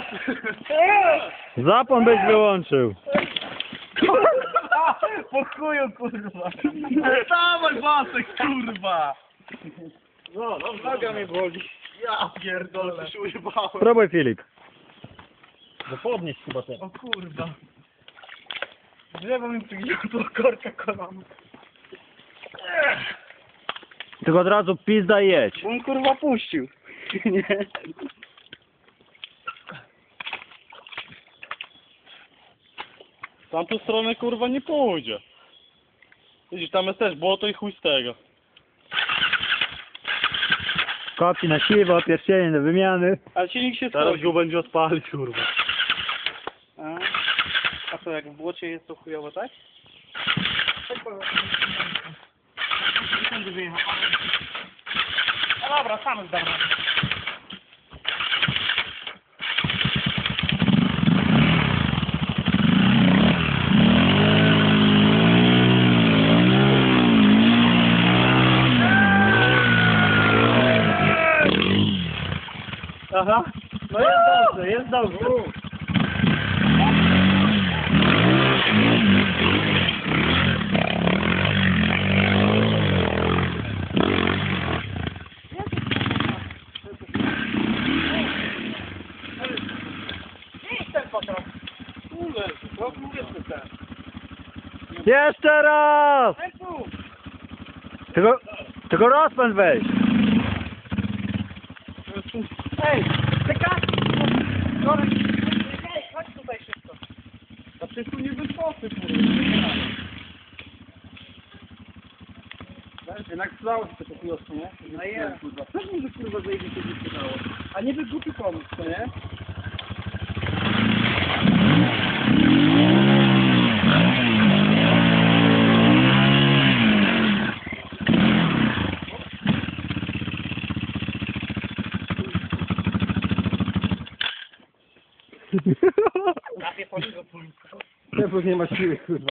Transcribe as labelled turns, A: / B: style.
A: Zapłon byś wyłączył.
B: Po chuju, kurwa. Dawaj Wasek, kurwa. No, noga mnie boli. Ja pierdolę, się ujebałem.
A: Spróbuj, Filip.
B: No podnieś chyba ten. O kurwa. Drzewo mi przygniotło korka kolana.
A: Tylko od razu pizda i jedź.
B: On kurwa puścił. Nie.
C: W tamtą stronę kurwa nie pójdzie. Widzisz, tam jest też błoto i chuj z tego.
A: Kopci na siwo, pierścienie do wymiany.
B: Ale silnik się
C: Teraz
B: schodził.
C: go będzie odpalić kurwa.
B: A co, jak w błocie jest to chujowo, tak? No dobra, sam zdam. Aha, no jest dobrze, jest dobrze.
A: Jeszcze raz! Tylko rozpęd weź.
B: Ej, czekaj! Korek, ej, chodź tutaj szybko.
C: A przecież tu nie wyskoczy kurwa.
B: Jednak stało się to chujostwo, nie? No jest. Pewnie, że kurwa zejdzie się wysypało. A nie by głupi pomysł, to nie? Trafię po niego,
A: Nie ma siły, kurwa.